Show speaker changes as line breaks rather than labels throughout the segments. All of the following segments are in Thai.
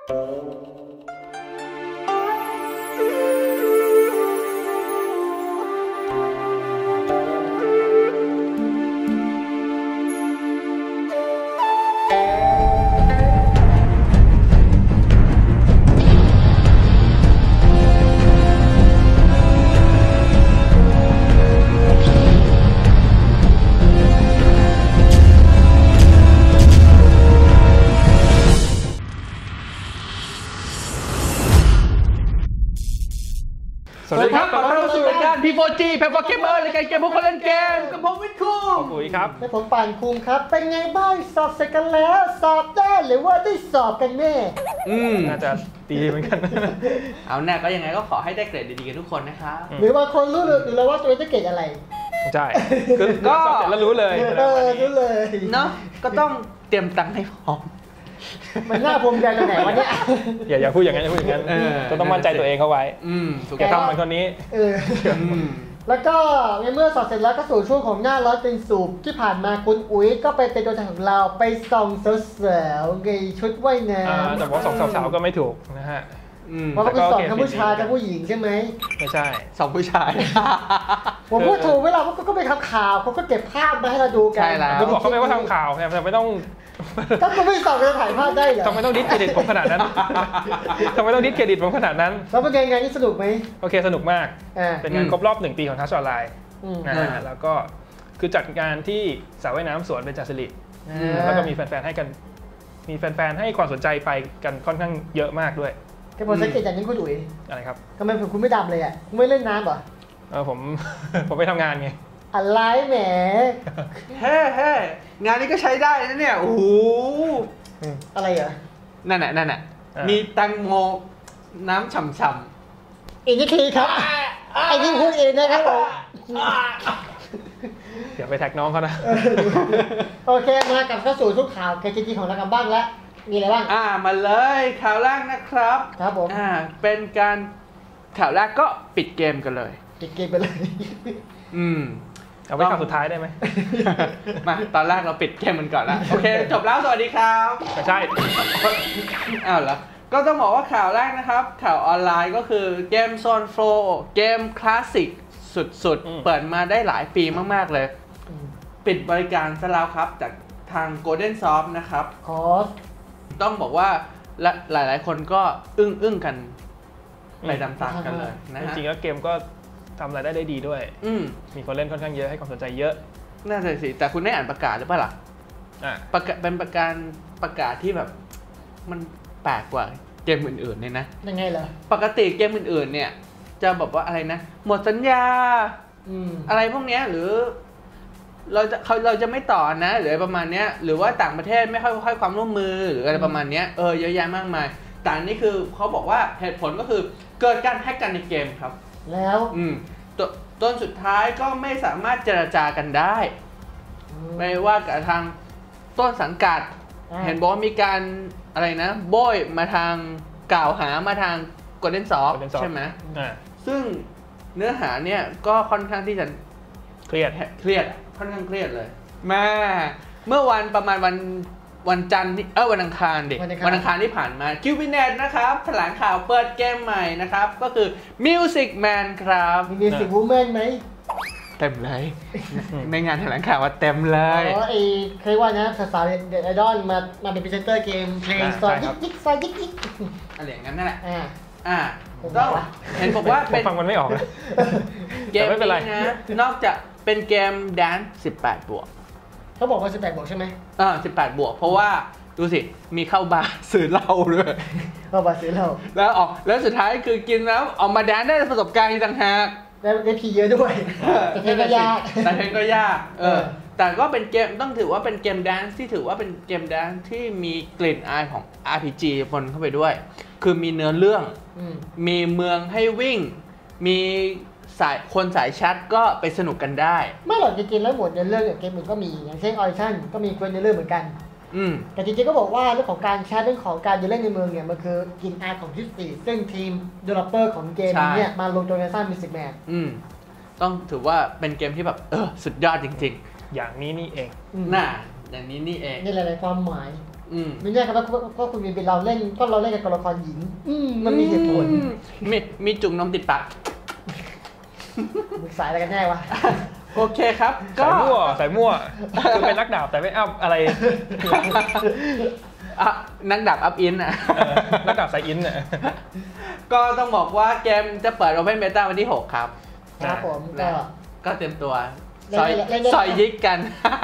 สวัสดีครับขอต้อนรับสู่รายการ P4G แพลตฟอร์มเกมเมอร์รายการเกมพวกคนเล่นเกมกับผมวิทย์คุง
ปุ๋ยครับ
และผมป่านคุงครับเป็นไงบ้างสอบเสร็จกันแล้วสอบได้หรือว่าได้สอบกันแน่
น่าจะดีเหมือนกัน
เอาแน่ก็ยังไงก็ขอให้ได้เกรดดีๆกันทุกคนนะครับ
หรือบางคนรู้หรือว่าตัวเองจะเกรดอะไร
ใช่ก็สอบเสร็จแล้วรู้เลย
รู้เลย
เนาะก็ต้องเตรียมตังค์ให้พร้อม
มันน่าภูมิใจตรงไหนวะเนี่ย
อย่าพูดอย่างนั้นอย่าพูดอย่างนั้นก็ต้องมั่นใจตัวเองเข้าไว้
ถูก
ต้องทำเหมือนคนนี้
แล้วก็ในเมื่อสอบเสร็จแล้วก็สู่ช่วงของหน้าร้อนเป็นสูบที่ผ่านมาคุณอุ๋ยก็ไปเป็นตัวแทนของเราไปส่องสาวๆในชุดว่ายน้ำ
แต่ว่าส่องสาวๆก็ไม่ถูกนะฮะ
เพราะว่าคุณส่องทั้งผู้ชายทั้งผู้หญิงใช่ไหม
ไม่ใช่
ส่องผู้ชาย
ผมพูดถูกเวลาเขาก็ไปทำข่าวเขาก็เก็บภาพมาให้เราดูกัน
ใช่แล้ว
เขาบอกเขาไม่ว่าทำข่าวไงแต่ไม่ต้อง
ถ้าคุณไม่ส่องจะถ่ายภาพได้เหรอ
ทำไมต้องดิสเครดิตผมขนาดนั้นทำไมต้องดิสเครดิตผมขนาดนั้น
แล้วเป็นไงนี่สนุกไหม
โอเคสนุกมากเป็นงานครบรอบ1 ปีของทัชออนไลน์แล้วก็คือจัดงานที่สระว่ายน้ำสวนเบญจศิริแล้วก็มีแฟนๆให้กันมีแฟนๆให้ความสนใจไปกันค่อนข้างเยอะมากด้วย
แค่ผมสังเกตอย่างนี้คุณดุ๋ย
อะไรครับ
ทำไมคุณไม่ดำเลยอ่ะคุณไม่เล่นน้ำเหรอ
ผมไปทำงานไง
อะไรแหม
เฮ้งานนี้ก็ใช้ได้นะเนี่ยโอ้โห
อะไรเหรอ
นั่นน่ะมีแตงโมน้ำฉ่ำ
ๆอีกนิดทีครับไอ้นี่พูดเองนะครับผม
เดี๋ยวไปแท็กน้องเขานะ
โอเคมากับเข้าสู่ทุกข่าวเกมจริงของเรากันบ้างแล้วมีอะไรบ้าง
มาเลยข่าวแรกนะครับ
ครับผม
เป็นการข่าวแรกก็ปิดเกมกันเลย
ปิดเกมไปเลย
เอาไว้ข่าวสุดท้ายได้ไหม
มาตอนแรกเราปิดเกมมันก่อนแล้วโอเคจบแล้วสวัสดีครับ
ใช่
อ้าวเหรอก็ต้องบอกว่าข่าวแรกนะครับข่าวออนไลน์ก็คือเกมโซนโฟร์เกมคลาสสิกสุดๆเปิดมาได้หลายปีมากๆเลยปิดบริการซะแล้วครับจากทาง Golden Soft นะครับต้องบอกว่าหลายๆคนก็อึ้งกันไปตามๆกันเลยนะฮะ
จริงๆแล้วเกมก็ทำรายได้ดีด้วยมีคนเล่นค่อนข้างเยอะให้ความสนใจเยอะ
น่าจะสิแต่คุณได้อ่านประกาศหรือเปล่าล่ะเป็นประกาศที่แบบมันแปลกกว่าเกมอื่นๆเนี่ยนะ
ยังไงเหรอ
ปกติเกมอื่นๆเนี่ยจะบอกว่าอะไรนะหมดสัญญาอะไรพวกนี้หรือเราจะไม่ต่อนะหรือประมาณนี้หรือว่าต่างประเทศไม่ค่อยให้ความร่วมมือหรืออะไรประมาณนี้เยอะแยะมากมายแต่นี่คือเขาบอกว่าเหตุผลก็คือเกิดการแฮกกันในเกมครับ
แล้ว
ต้นสุดท้ายก็ไม่สามารถเจรจากันได้ไม่ว่ากับทางต้นสังกัดเห็นบอกว่ามีการอะไรนะโบยมาทางกล่าวหามาทาง Golden Soft ใช่ไหมซึ่งเนื้อหาเนี่ยก็ค่อนข้างที่จะ
เครียด
ค่อนข้างเครียดเลยแม่เมื่อวันประมาณวันจันทร์วันอังคารวันอังคารที่ผ่านมาคิวบิเนตนะครับแถลงข่าวเปิดเกมใหม่นะครับก็คือ Music Man ครับ
มี Music Woman ไหม
เต็มเลยในงานแถลงข่าวว่าเต็มเลย
เคยว่านะสาวเด็ดไอดอลมาเป็นพรีเซนเตอร์เกมเพลงซอยยิกซอยยิก
อะไรอย่างนั้นนั่นแหละต้องเห็นบอกว่าเป็น
ฟังมันไม่ออก
เกมนี้นะนอกจากเป็นเกมแดนซ์18 บวก
เขาบอกว่า18 บวกใช่ไหม
18 บวกเพราะว่าดูสิมีเข้าบาร์ซื้อเหล้าด้วย
เข้าบาร์ซื้อเหล้า
แล้วสุดท้ายคือกินแล้วออกมาแดนได้ประสบการณ์ต่างหาก
ได้พีเยอะด้วยแต่เพลงก็ยาก
แต่ก็เป็นเกมต้องถือว่าเป็นเกมแดนซ์ที่ถือว่าเป็นเกมแดนซ์ที่มีกลิ่นอายของ RPG ปนเข้าไปด้วยคือมีเนื้อเรื่องมีเมืองให้วิ่งมีคนสายแชทก็ไปสนุกกันได้
ไม่หรอกจริงๆแล้วหมดในเรื่องเกมอื่นก็มีอย่างเช่นออริชั่นก็มีคนในเรื่องเหมือนกันแต่จริงๆก็บอกว่าเรื่องของการแชทเรื่องของการเล่นในเมืองเนี่ยมันคือกลิ่นอายของทฤษฎีซึ่งทีม developer ของเกมนี้มาลงตัวในสร้าง Music Man
ต้องถือว่าเป็นเกมที่แบบสุดยอดจริง
ๆอย่างนี้นี่เอง
อย่างนี้นี่เอง
นี่หลายๆความหมายไม่แน่ครับว่าคุณมีเป็นเราเล่นก็เราเล่นกับตัวละครหญิงมันมีเหตุผล
มีจุ่มนมติดปาก
มึงสายอะไรกันแน่วะ
โอเคครับก็
สายมั่วคือเป็นนักดาบแต่ไม่อัพอะไร
นักดาบอัพอินอ่ะ
นักดาบสายอินอ่ะ
ก็ต้องบอกว่าเกมจะเปิด Open Beta วันที่ 6 ครับ
ผม
ก็เต็มตัวซอยยิกกัน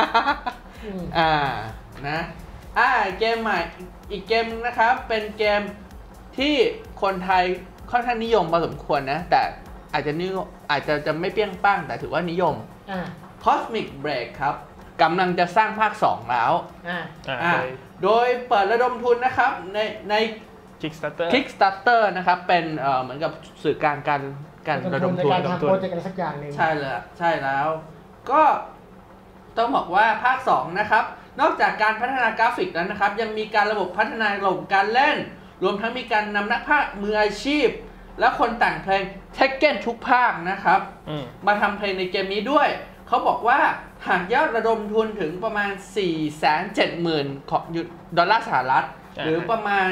นะเกมใหม่อีกเกมนะครับเป็นเกมที่คนไทยค่อนข้างนิยมพอสมควรนะแต่อาจจะไม่เปี้ยงป้างแต่ถือว่านิยมCosmic Break ครับกำลังจะสร้างภาค 2 แล้วโดยเปิดระดมทุนนะครับใน Kickstarter นะครับเป็นเหมือนกับสื่อกลางการระดมทุน
ในการทำโปรเจกต์อะไรสักอย่างนึง
ใช่แล้วก็ต้องบอกว่าภาค 2 นะครับนอกจากการพัฒนากราฟิกแล้วนะครับยังมีการระบบพัฒนาระบบการเล่นรวมทั้งมีการนำนักพากย์มืออาชีพและคนแต่งเพลง Tekken ทุกภาคนะครับมาทำเพลงในเกมนี้ด้วยเขาบอกว่าหากยอดระดมทุนถึงประมาณ 470,000 ของดอลลาร์สหรัฐหรือประมาณ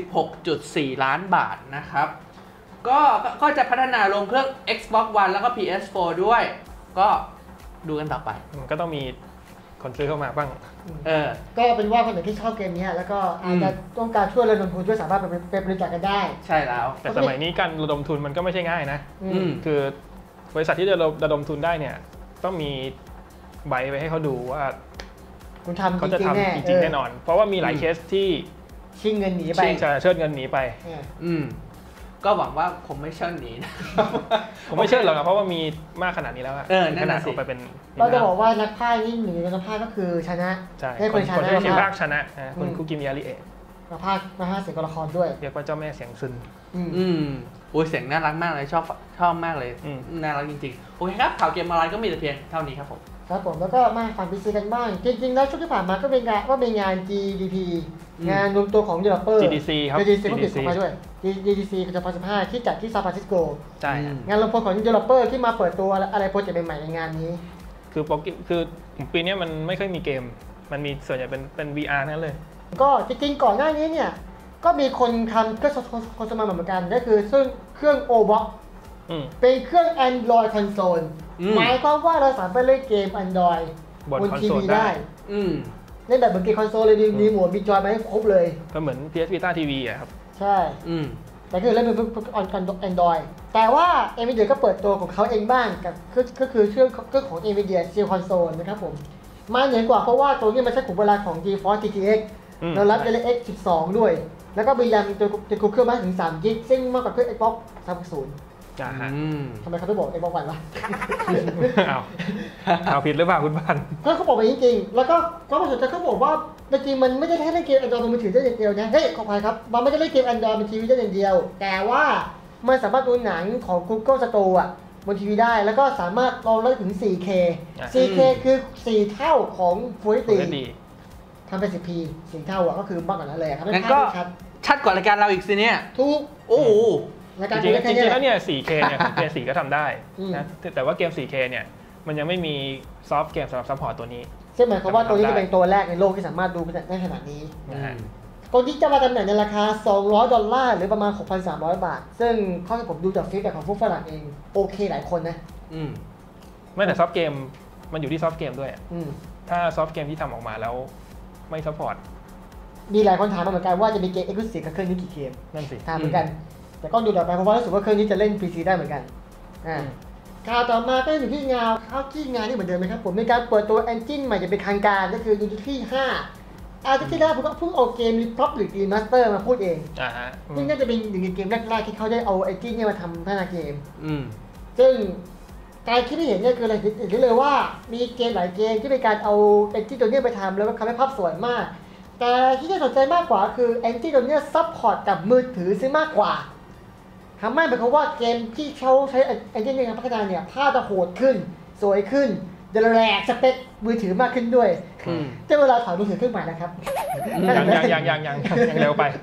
16.4 ล้านบาทนะครับก็จะพัฒนาลงเครื่อง Xbox One แล้วก็ PS4 ด้วยก็ดูกันต่อไป
ก็ต้องมีคนซื้อเข้ามาบ้าง
ก็เป็นว่าคนไหนที่ชอบเกมนี้แล้วก็อาจจะต้องการช่วยระดมทุนช่วยสามารถไปบริจาคกันได้
ใช่แล้ว
แต่สมัยนี้การระดมทุนมันก็ไม่ใช่ง่ายนะคือบริษัทที่จะระดมทุนได้เนี่ยต้องมีใบไปให้เขาดูว่า
คุณทำ
เขาจะทำจริงๆแน่นอนเพราะว่ามีหลายเคสที่
ชิงเงินหนีไป
เชิดเงินหนีไป
ก็หวังว่าคงไม่เชิญหนีนะ
ผมไม่เชิญหรอกนะเพราะว่ามีมากขนาดนี้แล้ว
ขนาดอ
อกไปเป็น
เราจะบอกว่านักพากย์นี่หนึ่งในนักพากย์ก็คือชนะ
ให้คนชนะคนที่ภาคชนะคุณคุกิมิยาริเอะ
นักพากย์เสียงตัวละครด้วย
เรียกว่าเจ้าแม่เสียงซึน
โอ้ยเสียงน่ารักมากเลยชอบมากเลยน่ารักจริงๆโอเคครับข่าวเกมออนไลน์ก็มีแต่เพียงเท่านี้ครับผม
แล้วก็มาฝั่ง PC กันบ้างจริงๆแล้วช่วงที่ผ่านมาก็เป็นงาน GDP งานรวมตัวของ developer
GDC ครับ
GDC ก็ติดเข้ามาด้วย GDC 2015ที่จัดที่ซานฟรานซิสโก
ใช่
งานรวมตัวของ developer ที่มาเปิดตัวอะไรโปรเจกต์ใหม่ๆในงานนี้
คือปีนี้มันไม่ค่อยมีเกมมันมีส่วนใหญ่เป็น VR นั่นเลย
ก็จริงๆก่อนหน้านี้เนี่ยก็มีคนทำเครื่องคอนโซลเหมือนกันก็คือซึ่งเครื่อง OBOX เป็นเครื่อง Android console หมายความว่าเราสามารถเล่นเกม Android บนทีวีได้เล่นแบบเหมือนเกมคอนโซลเลยมีหมวดมีจอยมาให้ครบเลย
ก็เหมือน PS Vita TV อ่ะครับ
ใช่แต่คือเล่นเป็นAndroid แต่ว่า Nvidia ก็เปิดตัวของเขาเองบ้างกับก็คือเครื่องของ Nvidia Shield Console นะครับผมมาเหนือกว่าเพราะว่าตัวนี้มันใช้ขุมพลังของ GeForce GTX แล้วรับ DirectX 12 ด้วยแล้วก็มีแรมตัวเครื่องมากถึง3 GB ซึ่งมากกว่าเครื่อง Xbox 360ทำไมเขาไม่บอกไอ้บอกวันวะ
เอาผิดหรือเปล่าคุณบ้าน
เขาบอกไปจริงๆแล้วก็ความสนใจเขาบอกว่าจริงๆมันไม่ได้แค่เล่นเกม Android บนมือถือได้อย่างเดียวนะเฮ้ยขออภัยครับมันไม่ได้เล่นเกม Android บนทีวีได้อย่างเดียวแต่ว่ามันสามารถดูหนังของ Google Store อ่ะบนทีวีได้แล้วก็สามารถรองรับถึง 4K คือ4เท่าของ Full HD ทำเป็น 10p 4เท่าอ่ะก็คือมากกว่านั้นเลยครับ
งั้นก็ชัดกว่ารายการเราอีกสิเนี่ย
ถูก
โอ้
จริงแล้วเนี่ย 4K เนี่ย PS4 ก็ทำได้นะแต่ว่าเกม 4K เนี่ยมันยังไม่มีซอฟต์เกมสำหรับซัพพอร์ตตัวนี้
ซึ่งหมายความว่าตัวนี้จะเป็นตัวแรกในโลกที่สามารถดูได้ขนาดนี้ตัวนี้จะมาจำหน่ายในราคา$200หรือประมาณ 6,300 บาทซึ่งข้อที่ผมดูจากฟีดแบ็กของพวกฝรั่งเองโอเคหลายคนนะ
ไม่แต่ซอฟต์เกมมันอยู่ที่ซอฟต์เกมด้วยถ้าซอฟต์เกมที่ทำออกมาแล้วไม่ซัพพอร์ต
มีหลายคนถามมาเหมือนกันว่าจะมีเกม Exclusive กับเครื่องนี้กี่เกม
นั่นสิ
ถามเหมือนกันแต่ก็ดูต่อไปเพราะว่ารู้สึกว่าเครื่องนี้จะเล่น PC ได้เหมือนกันข่าวต่อมาก็อยู่ที่งานนี่เหมือนเดิมไหมครับผมมีการเปิดตัว Engine ใหม่จะเป็นทางการก็คือ Unity 5อาทิตย์ที่แล้วผมก็เพิ่งเอาเกม Republic Remaster มาพูดเองซึ่งน่าจะเป็นหนึ่งในเกมแรกๆที่เขาได้เอา Engine เนี่ยมาทำพัฒนาเกมซึ่งการคิดที่เห็นเนี่ยคืออะไรเห็นเลยว่ามีเกมหลายเกมที่เป็นการเอา Engine ตัวนี้ไปทำแล้วก็ทำให้ภาพสวยมากแต่ที่น่าสนใจมากกว่าคือ Engine ตัวนี้ซัพพอร์ตกับมือถือซึ่งมากกว่าทำให้หมายความว่าเกมที่เขาใช้ Engine ในการพัฒนาเนี่ยภาพจะโหดขึ้นสวยขึ้นจะแรงสเปคมือถือมากขึ้นด้วยแต่เวลาถอดมือถือขึ้นใหม่นะครับ
ยังเร็วไป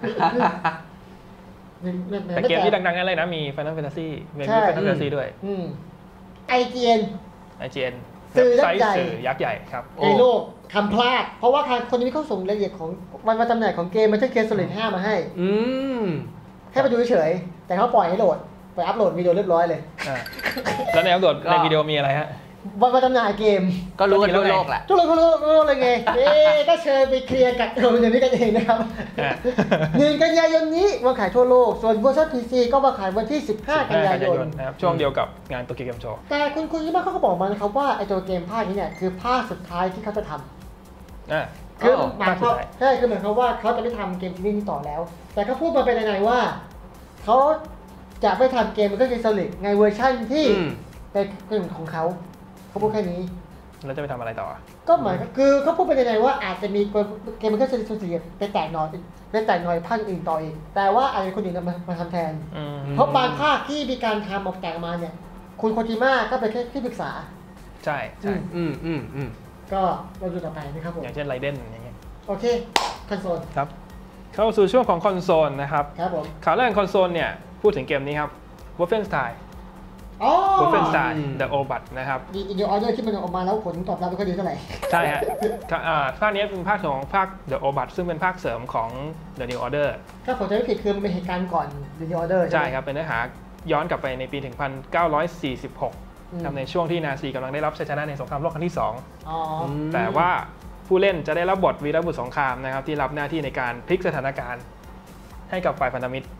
แต่เกมที่ดังๆนั่นเลยนะมี Final Fantasy มี Final Fantasy ด้วย
IGN
สื่อยักษ์ใหญ่ครับ
ในโลกทำพลาดเพราะว่าคนนี้เขาส่งรายละเอียดของวันจำหน่ายของเกมมันใช่เกม Solid 5 มาให้ไปดูเฉยๆแต่เขาปล่อยให้โหลดไปอัพโหลดวิดีโอเรียบร้อยเลย
แล้วในอัพโหลดในวิดีโอมีอะไรฮะ
วันจำหน่ายเกม
ก็รู้กันทั่วโลกแหละ
ทั่วโลกเลยไงก็เชิญไปเคลียร์กับอย่างนี้กันเองนะครับ1 กันยายนนี้วางขายทั่วโลกส่วนเวอร์ชัน PC ก็วางขายวันที่15 กันยายน
นะครับช่วงเดียวกับงานโตเกียวเกมโชว์
แต่คุณยี่บ้าเขาก็บอกมานะครับว่าไอตัวเกมภาคนี้เนี่ยคือภาคสุดท้ายที่เขาจะทำคือหมายความใช่คือเหมือนเขาว่าเขาจะไม่ทำเกมซีรีส์นี้ต่อแล้วแต่เขาพูดมาเป็นยังไงว่าเขาจะไม่ทำเกมมันก็คือ Solid ในเวอร์ชันที่เป็นของเขาพูดแค่นี้
แล้วจะไปทำอะไรต่อ
ก็หมายคือเขาพูดไปในว่าอาจจะมีเกมมันก็จะสูญเสียไปแตกหน่อยภาคอื่นต่ออีกแต่ว่าอาจจะคนอื่นมาทำแทนเพราะบางภาคที่มีการทำออกแตกมาเนี่ยคุณโคจิมะก็เป็นแค่ที่ปรึกษา
ใช่
ก็เราดูต่อไปนะครับผม
อย่างเช่นไรเดนอย่างเงี้ย
โอเคคอนโซล
ครับเข้าสู่ช่วงของคอนโซลนะครับ
ครับผม
ข่าวแรกคอนโซลเนี่ยพูดถึงเกมนี้ครับ Wolfenstein Wolfenstein The Obat นะครับ
อีกออเดอร์ที่มันออกมาแล้วผลตอบรับไม่ค่อยดีเท่าไหร่
ใช่ฮะภาคนี้เป็นภาคของภาค The Obat ซึ่งเป็นภาคเสริมของ The New Order
ถ้าผมจำไม่ผิดคือมันเป็นเหตุการณ์ก่อน The New Order
ใช่ครับเป็นเนื้อหาย้อนกลับไปในปี 1946ในช่วงที่นาซีกำลังได้รับชัยชนะในสงครามโลกครั้งที่2แต่ว่าผู้เล่นจะได้รับบทวีรบุรุษสงครามนะครับที่รับหน้าที่ในการพลิกสถานการณ์ให้กับฝ่ายพันธมิตร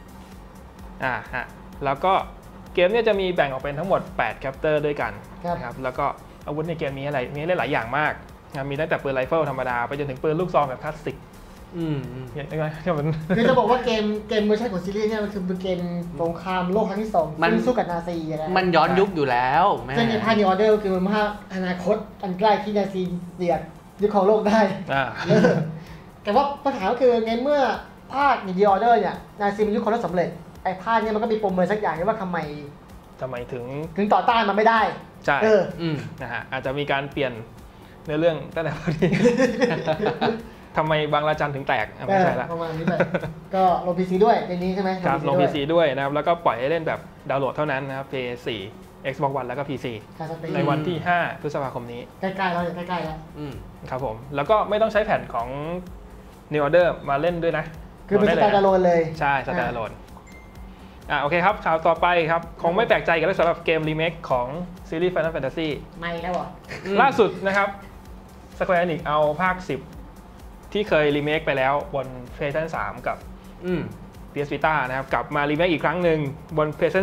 แล้วก็เกมเนี่ยจะมีแบ่งออกเป็นทั้งหมด8แคปเตอร์ด้วยกันนะครับแล้วก็อาวุธในเกมมีหลายอย่างมากมีตั้งแต่ปืนไรเฟิลธรรมดาไปจนถึงปืนลูกซองแบบคลาสสิก
ยังไงคือจะบอกว่าเกมเวอร์ชันของซีรีส์เนี่ยมันคือเป็นเกมสงครามโลกครั้งที่2มันสู้กับนาซีนะ
มันย้อนยุคอยู่แล้ว
ซึ่งในภาค New Order คือมันภาคอนาคตอันใกล้ที่นาซีเสียดยึดครองโลกได้แต่ว่าปัญหาก็คือในเมื่อภาค New Order เนี่ยนาซีมันยึดครองโลกสำเร็จไอ้ภาคนี้มันก็มีปมอะไรสักอย่างว่าทำไมถึงต่อต้านมันไม่ได้
ใช่นะฮะอาจจะมีการเปลี่ยนในเรื่องตั้งแต่พอดีทำไมบางระจันถึงแตกไม่ใช่ละ
ประมาณนี้ไปก็ลง PC ด้วยในนี้ใช่ไหม
ครับลง PC ด้วยนะครับแล้วก็ปล่อยให้เล่นแบบดาวน์โหลดเท่านั้นนะครับ PS4 Xbox One แล้วก็ PC ในวันที่5 พฤษภาคมนี้
ใกล้ๆแล้วใกล้ๆแล้ว
ครับผมแล้วก็ไม่ต้องใช้แผ่นของ New Order มาเล่นด้วยนะ
คือเป็นสแตนด์อะโลนเลย
ใช่สแตนด์อะโลนโอเคครับข่าวต่อไปครับคงไม่แปลกใจกันแล้วสำหรับเกมรีเมคของซีรีส์ Final Fantasy
ไม่แล้วอ่ะ
ล่าสุดนะครับ Square Enix เอาภาค10ที่เคยรีเมคไปแล้วบน PlayStation 3 กับPS Vita นะครับกลับมารีเมคอีกครั้งหนึ่งบน PlayStation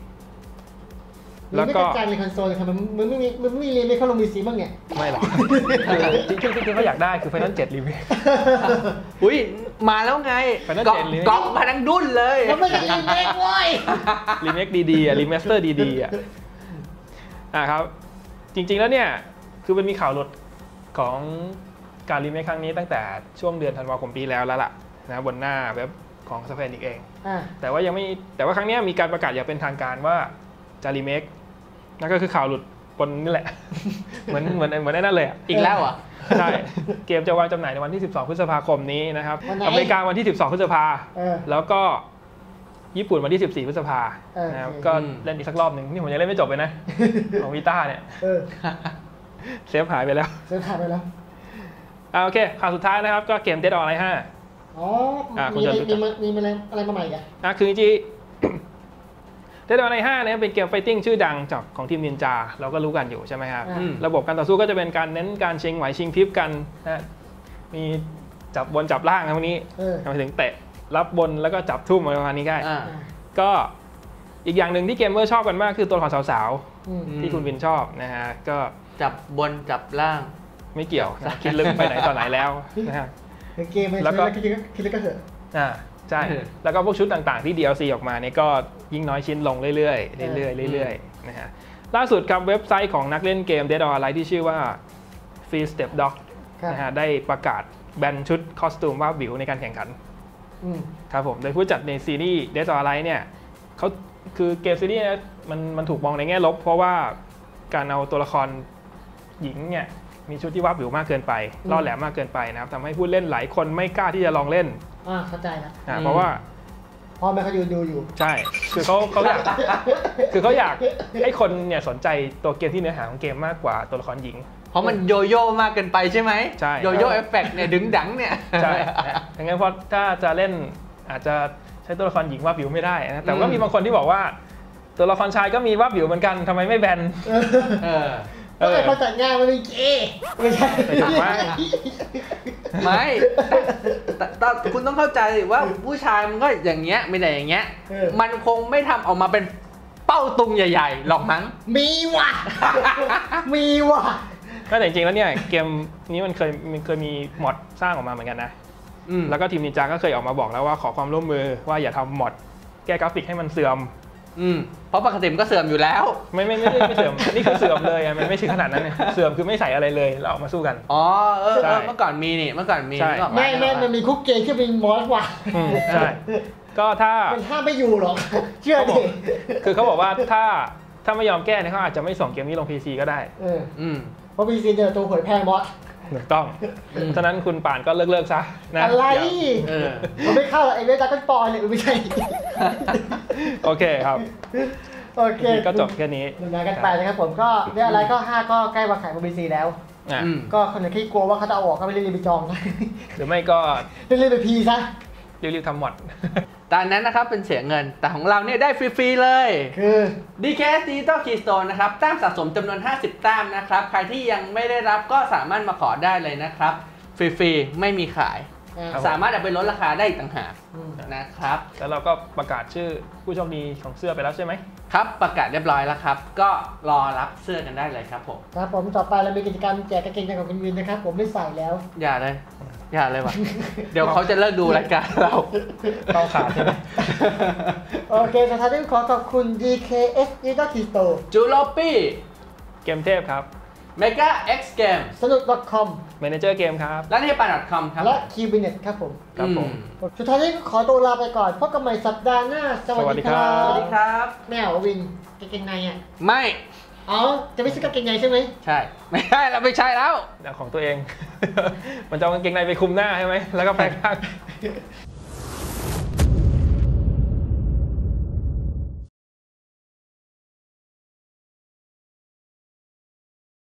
4
แล้วก็ไม่กระจายในคอนโซลครับมันไม่มีรีเมคเขาลง PC บ้างเนี่ย
ไม่หรอกจริงๆเขาอยากได้คือ Final 7รีเมค
อุ้ยมาแล้วไงก๊อปมาทั้งดุ้นเลย
มันไม่ใช่รีเมคเว้ย
รีเมคดีๆรีมาสเตอร์ดีๆครับจริงๆแล้วเนี่ยคือมันมีข่าวหลุดของการรีเมคครั้งนี้ตั้งแต่ช่วงเดือนธันวาคมปีแล้วล่ะนะบนหน้าเว็บของ Square Enix เองแต่ว่าครั้งนี้มีการประกาศอย่างเป็นทางการว่าจะรีเมคนั่นก็คือข่าวหลุดบนนี่แหละเหมือนไอ้นั่นเลย
อีกแล้วอ่ะ
ใช่เกมจะวางจำหน่ายในวันที่12 พฤษภาคมนี้นะครับอเมริกาวันที่12 พฤษภาแล้วก็ญี่ปุ่นวันที่14 พฤษภานะครับก็เล่นอีกสักรอบหนึ่งนี่ผมยังเล่นไม่จบเลยนะของวีต้าเนี่ยเซฟหายไปแล้วโอเคข่าวสุดท้ายนะครับก็เกม Dead or Alive 5
มีอะไรมาใหม่กัน
คือจริงDead or Alive 5เนี่ยเป็นเกมไฟติ้งชื่อดังจากของทีมนินจาเราก็รู้กันอยู่ใช่ไหมครับระบบการต่อสู้ก็จะเป็นการเน้นการชิงไหวชิงพริบกันนะมีจับบนจับล่างพวกนี้ไปถึงเตะรับบนแล้วก็จับทุ่มอะไรประมาณนี้ได้ก็อีกอย่างหนึ่งที่เกมเมอร์ชอบกันมากคือตัวละครสาวๆที่คุณวินชอบนะฮะก็
จับบนจับล่าง
ไม่เกี่ยวคิดลึกไปไหนต่อไหนแล้วนะฮะ
เกมแล้วก็คิดลึกก็เถอะ
ใช่แล้วก็พวกชุดต่างๆที่ DLC ออกมาเนี่ยก็ยิ่งน้อยชิ้นลงเรื่อยๆนะฮะล่าสุดครับเว็บไซต์ของนักเล่นเกม Dead or Alive ที่ชื่อว่า Free Step Dog นะฮะได้ประกาศแบนชุดคอสตูมว่าวิวในการแข่งขันครับผมโดยผู้จัดในซีรีส์ Dead or Alive เนี่ยเขาคือเกมซีรีส์มันถูกมองในแง่ลบเพราะว่าการเอาตัวละครหญิงเนี่ยมีชุดที่วาบวิวมากเกินไปล่อแหลมมากเกินไปนะครับทำให้ผู้เล่นหลายคนไม่กล้าที่จะลองเล่น
เข้าใจแล้ว
เพราะว่า
พ่อแม่เขาดูอยู่
ใช่คือเขาอยากให้คนเนี่ยสนใจตัวเกมที่เนื้อหาของเกมมากกว่าตัวละครหญิง
เพราะมันโยโย่มากเกินไปใช่ไหม
ใช่
โยโย่เอฟเฟกต์เนี่ยดึงดังเนี่ย
ใช่อย่างงั้นเพราะถ้าจะเล่นอาจจะใช้ตัวละครหญิงวาบวิวไม่ได้นะแต่ก็มีบางคนที่บอกว่าตัวละครชายก็มีวาบวิวเหมือนกันทำไมไม่แบน
ก็เลยพอจัดงานมันเป็นเกย์ไม่ใช่
ไม่แต่คุณต้องเข้าใจว่าผู้ชายมันก็อย่างเงี้ยไม่ได้อย่างเงี้ยมันคงไม่ทำออกมาเป็นเป้าตุงใหญ่ๆหรอกมั้ง
มีว่ะ มีว่ะ
ก็แต่จริงๆแล้วเนี่ยเกมนี้มันเคยมีมอดสร้างออกมาเหมือนกันนะแล้วก็ทีมนินจาก็เคยออกมาบอกแล้วว่าขอความร่วมมือว่าอย่าทำมอดแก้กราฟิกให้มันเสื่อม
เพราะปกติมันก็เสื่อมอยู่แล้ว
ไม่เสื่อมนี่คือเสื่อมเลยมันไม่ใช่ขนาดนั้นเนี่ยเสื่อมคือไม่ใส่อะไรเลยแล้วออกมาสู้กัน
อ๋อเมื่อก่อนมีนี่เมื่อก่อนมี
ไม่มันมีคุกเกย์ที่เป็นมอสว่ะ
ใช่ก็ถ้า
มันห้ามไม่อยู่หรอกเชื่อดิ
คือเขาบอกว่าถ้าไม่ยอมแก้เนี่ยเขาอาจจะไม่ส่งเกมนี้ลง PC ก็ได้
เพราะ PC เนี่ยตัวหวยแพงบอส
ถูกต้องฉะนั้นคุณป่านก็เลิกซะนะ
อะไรมันไม่เข้าไอ้เวทาก็ปอยเลยไม่ใช่
โอเคครับ
โอเค
ก็จบแค่นี้
ดูงานกันไปนะครับผมก็เรื่องอะไรก็5ก็ใกล้วางขายบน PC แล้วก็คนไหนที่กลัวว่าเขาจะเอาออกก็ไม่รีบไปจอง
หรือไม่ก็
รีบไปพีซะ
รีบทำหมด
ตอนนั้นนะครับเป็นเสียเงินแต่ของเราเนี่ยได้ฟรีๆเลย
คือ
DKS Digital Keystone นะครับแต้มสะสมจำนวน50แต้มนะครับใครที่ยังไม่ได้รับก็สามารถมาขอได้เลยนะครับฟรีๆไม่มีขายสามารถเอาไปลดราคาได้อีกต่างหากนะครับ
แล้วเราก็ประกาศชื่อผู้โชคดีของเสื้อไปแล้วใช่ไหม
ครับประกาศเรียบร้อยแล้วครับก็รอรับเสื้อกันได้เลยครับผม
ครับผมต่อไปเรามีกิจกรรมแจกกางเกงของคุณวินนะครับผมไม่ใส่แล้ว
อย่าเลยว่ะเดี๋ยวเขาจะเลิกดูรายการเรา
ต้องขาดใช่ไหม
โอเคสุดท้ายต้องขอบคุณ DKS Digital Keystone
จูโลปี้
เกมเทพครับ
Mega X Game
สนุก .com
Manager Game ครับ
และที่ปาน .com ครับ
และ Qbinet ครับผม
ครับผม
สุดท้ายนี้ขอตัวลาไปก่อนพบกันใหม่สัปดาห์หน้าสวัสดีครับ
สวัสดีครับ
แมววินกางเกงในอ่ะ
ไม่
อ๋อจะไม่ซื้อกางเกงในใช่ไหม
ใช่ไม่ใช่เราไม่ใช่แล้ว
ของตัวเองมันจะเอากางเกงในไปคุมหน้าใช่ไหมแล้วก็แปลงร่าง